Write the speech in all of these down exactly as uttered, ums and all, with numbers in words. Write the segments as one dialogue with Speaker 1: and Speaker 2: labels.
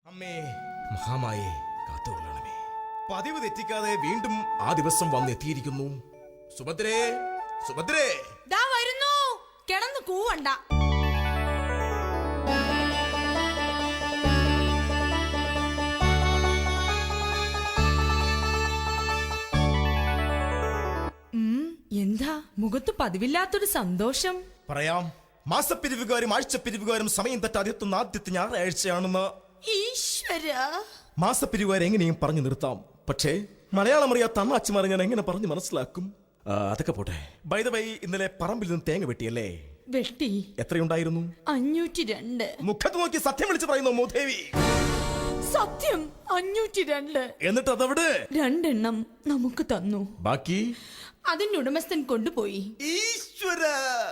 Speaker 1: അമ്മേ മഹാമായേ കാത്തുകൊള്ളണമേ. പതിവ് തെറ്റിക്കാതെ വീണ്ടും ആ ദിവസം വന്നെത്തിയിരിക്കുന്നു. സുഭദ്രേ, സുഭദ്രേ,
Speaker 2: ദാ വരുന്നു. കിടന്ന് കൂവണ്ട. എന്താ മുഖത്ത് പതിവില്ലാത്തൊരു സന്തോഷം?
Speaker 1: പറയാം. മാസപ്പിരിവുകാരും ആഴ്ചപ്പിരിവുകാരും സമയം തെറ്റാതെ എത്തുന്ന ആദ്യത്തെ ഞായറാഴ്ചയാണെന്ന്.
Speaker 2: ഈശ്വര,
Speaker 1: മാസപ്പിരിവുകാരെ എങ്ങനെയും പറഞ്ഞു നിർത്താം. പക്ഷേ മലയാളം അറിയാത്ത അണ്ണാച്ചിമാരെ ഞാൻ എങ്ങനെ പറഞ്ഞു മനസ്സിലാക്കും? ആ, അതൊക്കെ പോട്ടെ. ബൈ ദ വൈ, ഇന്നലെ പറമ്പിൽ നിന്ന് തേങ്ങ വെട്ടിയല്ലേ?
Speaker 2: വെട്ടി.
Speaker 1: എത്രയുണ്ടായിരുന്നു?
Speaker 2: അഞ്ഞൂറ്റി രണ്ട്.
Speaker 1: മുഖത്ത് നോക്കി സത്യം വിളിച്ച് പറയുന്നു മൂദേവി.
Speaker 2: സത്യം, അഞ്ഞൂറ്റി രണ്ട്.
Speaker 1: എന്നിട്ട് അതവിടെ
Speaker 2: രണ്ടെണ്ണം നമുക്ക് തന്നു.
Speaker 1: ബാക്കി
Speaker 2: അതിന്റെ ഉടമസ്ഥൻ കൊണ്ടുപോയി.
Speaker 1: ഈശ്വര,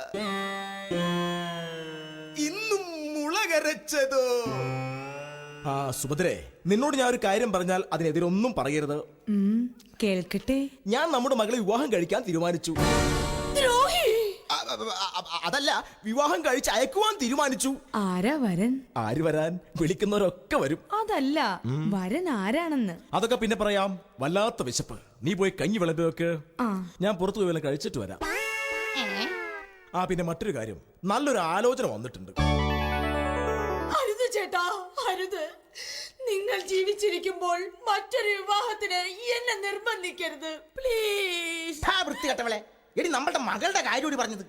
Speaker 1: ഇന്നും മുളകരച്ചതോ? ആ സുഭദ്രേ, നിന്നോട് ഞാൻ ഒരു കാര്യം പറഞ്ഞാൽ അതിനെതിരൊന്നും പറയരുത്.
Speaker 2: കേൾക്കട്ടെ.
Speaker 1: ഞാൻ നമ്മുടെ മകളെ വിവാഹം കഴിക്കാൻ തീരുമാനിച്ചു.
Speaker 2: ദ്രോഹി!
Speaker 1: അതല്ല, വിവാഹം കഴിച്ച് അയക്കുവാൻ തീരുമാനിച്ചു.
Speaker 2: ആരാ വരൻ?
Speaker 1: ആര് വരാൻ? വിളിക്കുന്നവരൊക്കെ വരും.
Speaker 2: അതല്ല, വരൻ ആരാണെന്ന്.
Speaker 1: അതൊക്കെ പിന്നെ പറയാം. വല്ലാത്ത വിശപ്പ്. നീ പോയി കഞ്ഞി വിളമ്പി വെക്ക്.
Speaker 2: ആ.
Speaker 1: ഞാൻ പുറത്തു പോയി വല്ലതും കഴിച്ചിട്ട് വരാം. ആ, പിന്നെ മറ്റൊരു കാര്യം, നല്ലൊരു ആലോചന വന്നിട്ടുണ്ട്.
Speaker 2: അരുത് ചേട്ടാ, അരുത്. നിങ്ങൾ ജീവിച്ചിരിക്കുമ്പോൾ മറ്റൊരു വിവാഹത്തിന് എന്നെ നിർബന്ധിക്കരുത്, പ്ലീസ്.
Speaker 3: വൃത്തികെട്ടവളെ, എടി നമ്മളുടെ മകളുടെ കാര്യം കൂടി പറഞ്ഞത്.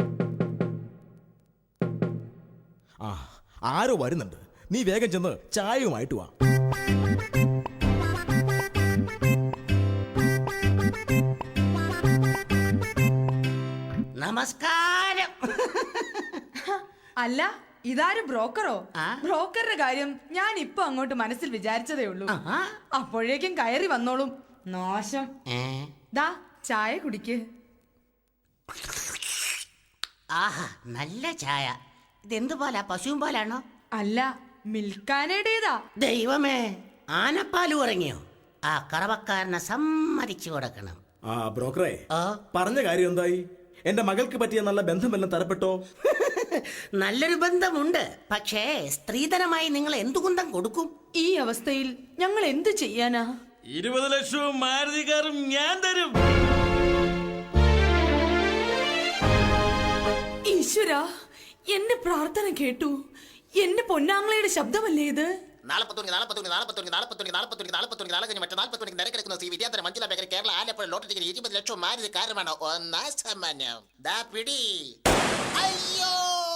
Speaker 1: ആ, ആരോ വരുന്നുണ്ട്. നീ വേഗം ചെന്ന് ചായയുമായിട്ട് വാ.
Speaker 3: നമസ്കാരം.
Speaker 2: അല്ല, ഇതാരും ബ്രോക്കറോ? ബ്രോക്കറുടെ കാര്യം ഞാൻ ഇപ്പൊ അങ്ങോട്ട് മനസ്സിൽ വിചാരിച്ചതേ ഉള്ളൂ. അപ്പോഴേക്കും കയറി വന്നോളും. നാശം. ദാ ചായ കുടിക്ക്.
Speaker 3: ആഹാ, നല്ല ചായ. ഇതെന്തു പാലാ? പശുവും പാലാണോ?
Speaker 2: അല്ല, മിൽക്കാനയുടേതാ.
Speaker 3: ദൈവമേ, ആനപ്പാല് ഉറങ്ങിയോ? ആ കറവക്കാരനെ സമ്മതിച്ചു കൊടുക്കണം.
Speaker 1: ആ ബ്രോക്കറെ, പറഞ്ഞ കാര്യം എന്തായി? എന്റെ മകൾക്ക് പറ്റിയ നല്ല ബന്ധമെല്ലാം തരപ്പെട്ടോ?
Speaker 3: നല്ലൊരു ബന്ധമുണ്ട്. പക്ഷേ സ്ത്രീധനമായി നിങ്ങൾ എന്തു കുന്തം കൊടുക്കും?
Speaker 2: ഈ അവസ്ഥയിൽ ഞങ്ങൾ എന്തു ചെയ്യാനാ?
Speaker 4: ഇരുപത് ലക്ഷവും മാരുതി കാറും ഞാൻ തരും.
Speaker 2: ഈശ്വര, എന്റെ പ്രാർത്ഥന കേട്ടു. എന്റെ പൊന്നാങ്ങളയുടെ ശബ്ദമല്ലേ ഇത്?
Speaker 3: നാൽപ്പത്തൊന്ന് നാൽപ്പത്തൊന്ന് നാൽപ്പത്തൊന്ന് നാൽപ്പത്തൊന്ന് നാൽപ്പത്തൊന്ന് നാൽപ്പത്തൊന്ന് നാല് കഴിഞ്ഞ് മറ്റേ നാൽപ്പത്തൊന്ന് നിരക്കിടക്കുന്ന C Vidyadhara Manjula bakery Kerala Alappuzha lottery ticket ഇരുപത് ലക്ഷം മാരുതി കാറുമാണ്. ഒന്നാം സമ്മാനം. ദാ പിടി. അയ്യോ,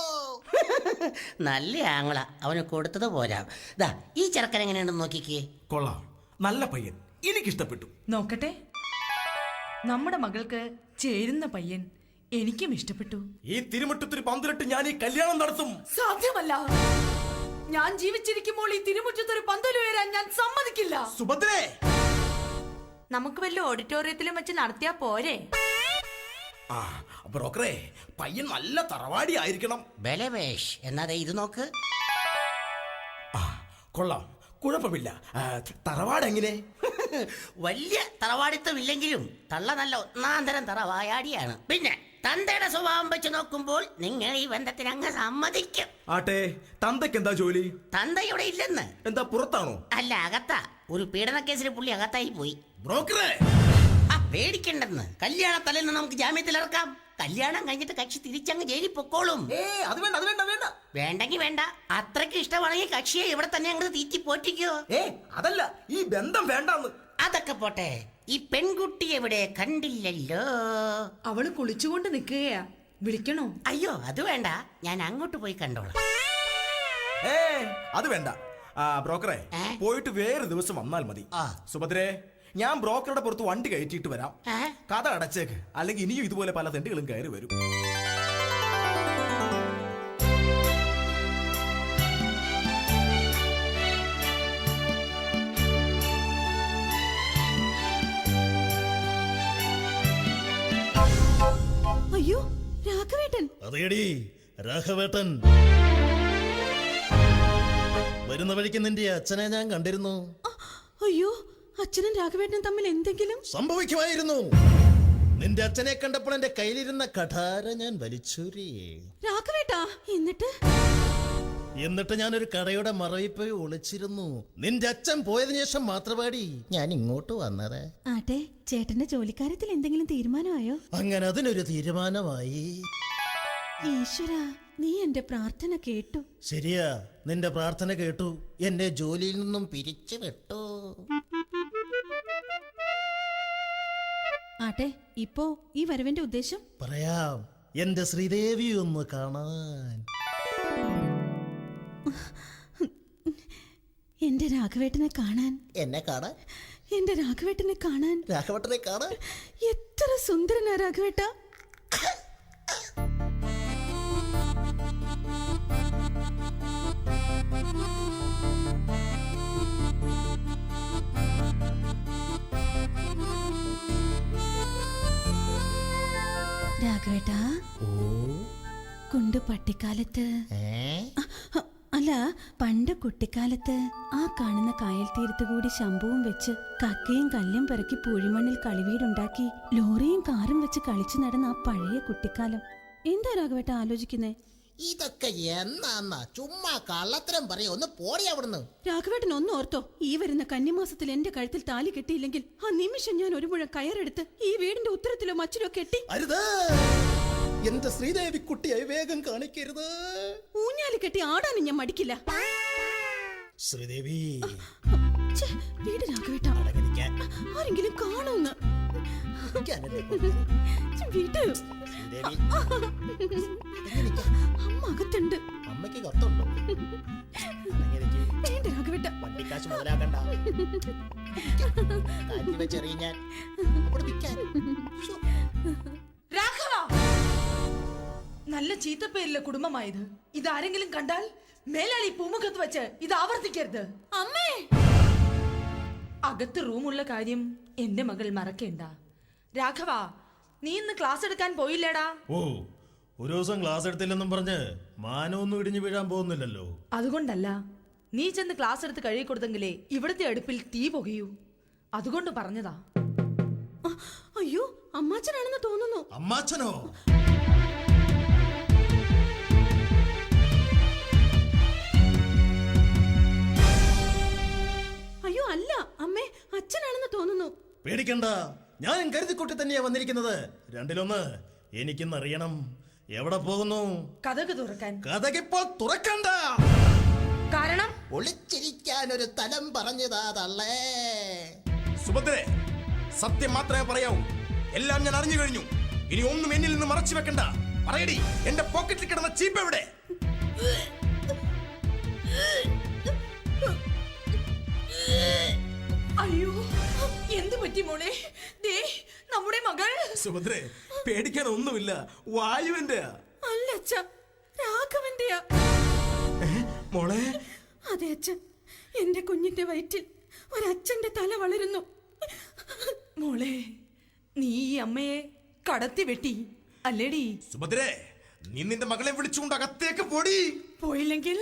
Speaker 3: നല്ല ആങ്ങള. അവന് കൊടുത്തത് പോരാ. ദാ ഈ ചെറുക്കൻ എങ്ങനെയാണെന്ന് നോക്കിക്കേ.
Speaker 1: കൊള്ളാം, നല്ല പയ്യൻ, എനിക്കിഷ്ടപ്പെട്ടു.
Speaker 2: നോക്കട്ടെ. നമ്മുടെ മകൾക്ക് ചേരുന്ന പയ്യൻ എനിക്കും ഇഷ്ടപ്പെട്ടു.
Speaker 1: ഈ തിരുമുറ്റത്തൊരു പന്തിലിട്ട് ഞാൻ ഈ കല്യാണം നടത്തും.
Speaker 2: സാധ്യമല്ല. ഞാൻ ജീവിച്ചിരിക്കുമ്പോൾ ഈ തിരുമുറ്റത്തൊരു പന്തല് ഉയരാൻ ഞാൻ സമ്മതിക്കില്ല.
Speaker 1: സുഭദ്രേ,
Speaker 2: നമുക്ക് വല്ല ഓഡിറ്റോറിയത്തിലും വെച്ച് നടത്തിയാ പോരെ?
Speaker 1: ആ ബ്രോക്കറെ, പയ്യൻ നല്ല തറവാടി ആയിരിക്കണം.
Speaker 3: ബലവേഷ്, എന്നാ ഇത് നോക്ക്.
Speaker 1: ആ കൊള്ളാം, കുഴപ്പമില്ല. തറവാട് എങ്ങനെ?
Speaker 3: വലിയ തറവാടിത്തം ഇല്ലെങ്കിലും തള്ള നല്ല ഒന്നാം തരം തറവായാടിയാണ്. പിന്നെ തന്തയുടെ സ്വഭാവം വെച്ച് നോക്കുമ്പോൾ നിങ്ങൾ ഈ ബന്ധത്തിന് അങ്ങ് സമ്മതിക്കും.
Speaker 1: ആട്ടെ, തന്തയ്ക്ക് എന്താ ജോലി?
Speaker 3: തന്തയുടെ ഇല്ലെന്ന്.
Speaker 1: എന്താ, പുറത്താണോ?
Speaker 3: അല്ല, അകത്താ. ഒരു പീഡന കേസിൽ പുള്ളി അകത്തായി പോയി.
Speaker 1: ബ്രോക്കറെ,
Speaker 3: ആ പേടിക്കണ്ടെന്ന്. കല്യാണ തലേന്ന് നമുക്ക് ജാമ്യത്തിൽ ഇറക്കാം. കല്യാണം കഴിഞ്ഞിട്ട് കക്ഷി തിരിച്ചങ്ങ് ജയിലിൽ പൊക്കോളും.
Speaker 1: അത് വേണ്ട, അത് വേണ്ട, വേണ്ട.
Speaker 3: വേണ്ടെങ്കി വേണ്ട. അത്രയ്ക്ക് ഇഷ്ടമാണെങ്കിൽ കക്ഷിയെ ഇവിടെ തന്നെ അങ്ങോട്ട് തീറ്റി പോറ്റിക്കോ.
Speaker 1: ഏ അതല്ല, ഈ ബന്ധം വേണ്ടെന്ന്.
Speaker 3: അതൊക്കെ പോട്ടെ, ഈ പെൺകുട്ടി എവിടെ? കണ്ടില്ലല്ലോ.
Speaker 2: അവള് കുളിച്ചുകൊണ്ട് നിൽക്കുകയാ. വിളിക്കണോ?
Speaker 3: അയ്യോ, അത് വേണ്ട. ഞാൻ അങ്ങോട്ട് പോയി കണ്ടോളാം.
Speaker 1: ഏ അത് വേണ്ട. ആ ബ്രോക്കറെ, പോയിട്ട് വേറെ ദിവസം വന്നാൽ മതി. സുഭദ്രേ, ഞാൻ ബ്രോക്കറുടെ പുറത്ത് വണ്ടി കയറ്റിയിട്ട് വരാം. കഥ അടച്ചേക്ക്, അല്ലെങ്കിൽ ഇനിയും ഇതുപോലെ പല തെണ്ടുകളും കയറി വരും.
Speaker 2: അയ്യോ, രാഘവേട്ടൻ.
Speaker 4: അതേടി രാഘവേട്ടൻ. വരുന്ന വഴിക്ക് നിന്റെ അച്ഛനെ ഞാൻ കണ്ടിരുന്നു.
Speaker 2: അയ്യോ, അച്ഛനും രാഘവേട്ടനും തമ്മിൽ എന്തെങ്കിലും
Speaker 4: സംഭവിക്കുമായിരുന്നു. നിന്റെ അച്ഛനെ കണ്ടപ്പോൾ എന്റെ കയ്യിലിരുന്ന കഠാര ഞാൻ വലിച്ചൂരി.
Speaker 2: രാഘവേട്ടാ, എന്നിട്ട്
Speaker 4: എന്നിട്ട് ഞാനൊരു കടയുടെ മറവിൽ പോയി ഒളിച്ചിരുന്നു. നിന്റെ അച്ഛൻ പോയതിനു ശേഷം മാത്രമാടി ഞാൻ ഇങ്ങോട്ട് വന്നത്.
Speaker 5: ആട്ടെ, ചേട്ടന്റെ ജോലിക്കാര്യത്തിൽ എന്തെങ്കിലും തീരുമാനമായോ?
Speaker 4: അങ്ങനെ അതിനൊരു തീരുമാനമായി.
Speaker 5: ഈശ്വര, നീ എന്റെ പ്രാർത്ഥന കേട്ടു.
Speaker 4: ശരിയാ, നിന്റെ പ്രാർത്ഥന കേട്ടു. എന്നെ ജോലിയിൽ നിന്നും പിരിച്ചു വിട്ടു.
Speaker 5: ആട്ടെ, ഇപ്പോ ഈ വരവിന്റെ ഉദ്ദേശം?
Speaker 4: പറയാം, എന്റെ ശ്രീദേവി ഒന്ന് കാണാൻ.
Speaker 5: എന്റെ രാഘവേട്ടനെ കാണാൻ.
Speaker 4: എന്നെ കാണാൻ?
Speaker 5: എന്റെ രാഘവേട്ടനെ കാണാൻ.
Speaker 4: രാഘവട്ടനെ കാണാൻ?
Speaker 5: എത്ര സുന്ദരനാ രാഘവേട്ട. രാഘവേട്ട, കുണ്ടു പട്ടിക്കാലത്ത്, അ, അല്ല പണ്ട് കുട്ടിക്കാലത്ത് ആ കാണുന്ന കായൽ തീരത്ത് കൂടി ശംഭുവും വെച്ച് കക്കയും കല്ലും പെറുക്കി പൂഴിമണ്ണിൽ കളിവീടുണ്ടാക്കി ലോറിയും കാറും വെച്ച് കളിച്ചു നടന്ന ആ പഴയ കുട്ടിക്കാലം. എന്താ രാഘവേട്ട ആലോചിക്കുന്നേ?
Speaker 3: ഇതൊക്കെ എന്നാന്നാ ചുമ്മാ കള്ളത്തരം പറയാ. ഒന്ന് പോടി അവിടുന്ന്.
Speaker 5: രാഘവേട്ടൻ ഒന്ന് ഓർത്തോ, ഈ വരുന്ന കന്നിമാസത്തിൽ എന്റെ കഴുത്തിൽ താലി കെട്ടിയില്ലെങ്കിൽ ആ നിമിഷം ഞാൻ ഒരു മുഴം കയറെടുത്ത് ഈ വീടിന്റെ ഉത്തരത്തിലോ മച്ചിലോ കെട്ടി.
Speaker 4: അരുത്, എന്റെ ശ്രീദേവി കുട്ടിയായി വേഗം കാണിക്കരുത്.
Speaker 5: ഊഞ്ഞാലി കെട്ടി ആടാനും ഞാൻ മടിക്കില്ല.
Speaker 4: ശ്രീദേവി,
Speaker 5: ഛെ, വീട് രാഘവേട്ട,
Speaker 4: അടങ്ങിയിരിക്കാൻ.
Speaker 5: ആരെങ്കിലും കാണുമെന്ന്.
Speaker 4: ഇരിക്കാനല്ലേ പറഞ്ഞത്?
Speaker 5: ഛെ, വീട്.
Speaker 4: ശ്രീദേവി,
Speaker 5: അമ്മ അകത്തുണ്ട്.
Speaker 4: അമ്മയ്ക്ക് കത്തുണ്ടോ? അടങ്ങിയിരിക്ക്.
Speaker 5: വേണ്ട രാഘവേട്ട.
Speaker 4: വണ്ടിക്കാശ് മുതലാക്കണ്ട. കാറ്റ് വെച്ചെറിയാൻ അവിടെ നിൽക്കാൻ. ശ്ശോ.
Speaker 2: രാഘവ, നല്ല ചീത്തപ്പേരിലെ കുടുംബമായത്. ഇതാരെങ്കിലും കണ്ടാൽ മേലാളി പൂമുഖത്ത് വെച്ച് ഇത് ആവർത്തിക്കരുത്.
Speaker 5: അമ്മേ,
Speaker 2: അകത്ത് റൂമുള്ള കാര്യം എന്റെ മകൾ മറക്കേണ്ട. രാഘവ, നീ ഇന്ന് ക്ലാസ് എടുക്കാൻ പോയില്ലേടാ?
Speaker 4: ഓ, ഒരു ദിവസം ക്ലാസ് എടുത്തില്ലെന്നും പറഞ്ഞ് മാനമൊന്നും ഇടിഞ്ഞു വീഴാൻ പോകുന്നില്ലല്ലോ.
Speaker 2: അതുകൊണ്ടല്ല, നീ ചെന്ന് ക്ലാസ് എടുത്ത് കഴുകി കൊടുത്തെങ്കിലേ ഇവിടുത്തെ അടുപ്പിൽ തീ പുകയൂ. അതുകൊണ്ട് പറഞ്ഞതാ.
Speaker 5: അ, അയ്യോ, അമ്മാച്ചനാണെന്ന് തോന്നുന്നു.
Speaker 4: അമ്മാച്ചനോ?
Speaker 5: അയ്യോ അല്ല അമ്മേ, അച്ഛനാണെന്ന് തോന്നുന്നു.
Speaker 4: പേടിക്കണ്ട, ഞാൻ കരുതിക്കുട്ടി തന്നെയാ വന്നിരിക്കുന്നത്. രണ്ടിലൊന്ന് എനിക്കിന്നറിയണം. എവിടെ പോകുന്നു?
Speaker 2: കഥക് തുറക്കാൻ.
Speaker 4: കഥകിപ്പോൾ തുറക്കണ്ട.
Speaker 2: കാരണം
Speaker 3: ഒളിച്ചിരിക്കാൻ ഒരു തലം പറഞ്ഞതാ തള്ളേ.
Speaker 1: സുഭദ്രേ, സത്യം മാത്രമേ പറയാവൂ. എല്ലാം ഞാൻ അറിഞ്ഞു കഴിഞ്ഞു. ഇനി ഒന്നും എന്നിൽ നിന്ന് മറച്ചു വെക്കണ്ട. പറയടി, എന്റെ പോക്കറ്റിൽ കിടന്ന ചീപ്പ് എവിടെ?
Speaker 2: അയ്യോ, എന്ത് പറ്റി മോളെ? ദേ നമ്മുടെ മകൾ.
Speaker 1: സുഭദ്രേ, പേടിക്കാൻ ഒന്നുമില്ല. വായുവിന്റെ
Speaker 5: അല്ല അച്ഛ, രാഘവന്റെയാ.
Speaker 1: മോളെ.
Speaker 5: അതെ അച്ഛൻ, എന്റെ കുഞ്ഞിന്റെ വയറ്റിൽ ഒരച്ഛന്റെ തല വളരുന്നു.
Speaker 2: മോളെ, നീ ഈ അമ്മയെ കടത്തി വെട്ടി അല്ലേടി?
Speaker 1: സുഭദ്രേ, നീ നിന്റെ മകളെ വിളിച്ചുകൊണ്ട് അകത്തേക്ക് പോടി.
Speaker 2: പോയില്ലെങ്കിൽ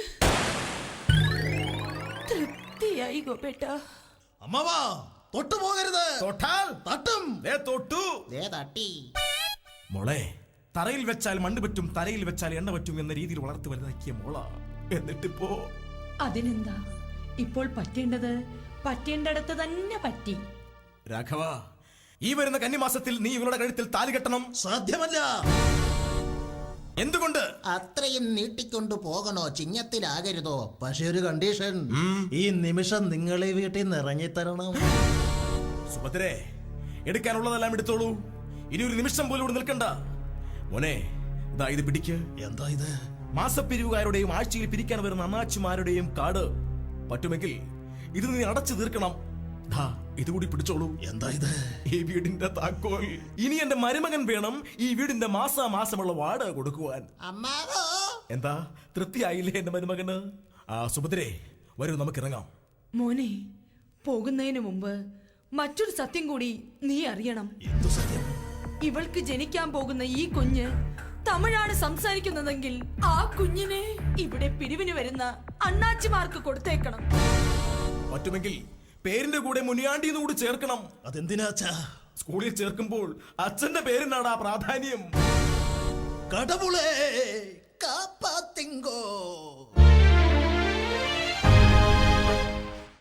Speaker 2: തൃപ്തിയായി ഗോപേട്ട.
Speaker 4: അമ്മാവാ, തൊട്ടു പോകരുത്.
Speaker 1: തൊട്ടാൽ
Speaker 4: തട്ടും.
Speaker 1: ദേ തൊട്ടു.
Speaker 3: ദേ തട്ടി.
Speaker 1: മോളെ, തറയിൽ വെച്ചാൽ മണ്ണ് പറ്റും, തലയിൽ വെച്ചാൽ എണ്ണ പറ്റും എന്ന രീതിയിൽ വളർത്തി വലുതാക്കിയ മോള. എന്നിട്ടിപ്പോ
Speaker 2: അതിനെന്താ, ഇപ്പോൾ പറ്റേണ്ടത് പറ്റേണ്ടടത്ത് തന്നെ പറ്റി.
Speaker 1: രാഘവ, ഈ വരുന്ന കന്നിമാസത്തിൽ നീ ഇവളുടെ കഴുത്തിൽ താലി കെട്ടണം.
Speaker 4: സാധ്യമല്ല.
Speaker 1: എന്തുകൊണ്ട്?
Speaker 3: അത്രയും നീട്ടിക്കൊണ്ടു പോകണോ? ചിങ്ങത്തിലാകരുതോ?
Speaker 4: പക്ഷെ ഒരു കണ്ടീഷൻ, ഈ നിമിഷം നിങ്ങൾ ഈ വീട്ടിൽ നിന്ന് ഇറങ്ങിത്തരണം.
Speaker 1: സുഭദ്രേ, എടുക്കാനുള്ളതെല്ലാം എടുത്തോളൂ. ഇനി ഒരു നിമിഷം പോലും ഇവിടെ നിൽക്കണ്ട. മോനെ, ഇതാ ഇത് പിടിക്ക്.
Speaker 4: എന്താ ഇത്?
Speaker 1: മാസപ്പിരിവുകാരുടെയും ആഴ്ചയിൽ പിരിക്കാൻ വരുന്ന അണ്ണാച്ചിമാരുടെയും കാർഡ്. പറ്റുമെങ്കിൽ ഇത് നീ അടച്ചു തീർക്കണം. ദാ, ഇതുകൂടി പിടിച്ചോളൂ.
Speaker 4: എന്താ ഇത്?
Speaker 1: ഈ വീടിന്റെ താക്കോൽ. ഇനി എന്റെ മരുമകൻ വേണം ഈ വീടിന്റെ മാസാമാസമുള്ള വാടക കൊടുക്കുവാൻ.
Speaker 3: അമ്മാവോ.
Speaker 1: എന്താ, തൃപ്തിയായില്ലേ എന്റെ മരുമകന്? ആ സുഭദ്രേ, വരൂ, നമുക്ക് ഇറങ്ങാം.
Speaker 2: മോനെ, പോകുന്നതിന് മുമ്പ് മറ്റൊരു സത്യം കൂടി നീ അറിയണം.
Speaker 4: എന്തു സത്യം?
Speaker 2: ഇവൾക്ക് ജനിക്കാൻ പോകുന്ന ഈ കുഞ്ഞ് തമിഴാണ് സംസാരിക്കുന്നതെങ്കിൽ ആ കുഞ്ഞിനെ ഇവിടെ പിരിവിന് വരുന്ന അണ്ണാച്ചിമാർക്ക് കൊടുത്തേക്കണം.
Speaker 1: പറ്റുമെങ്കിൽ പേരിന്റെ കൂടെ മുനിയാണ്ടി കൂടി ചേർക്കണം.
Speaker 4: അതെന്തിനാച്ചാ?
Speaker 1: സ്കൂളിൽ ചേർക്കുമ്പോൾ അച്ഛന്റെ പേരിനാണ് ആ പ്രാധാന്യം.
Speaker 4: കടവുളേ
Speaker 3: കാപ്പാത്തിങ്കോ.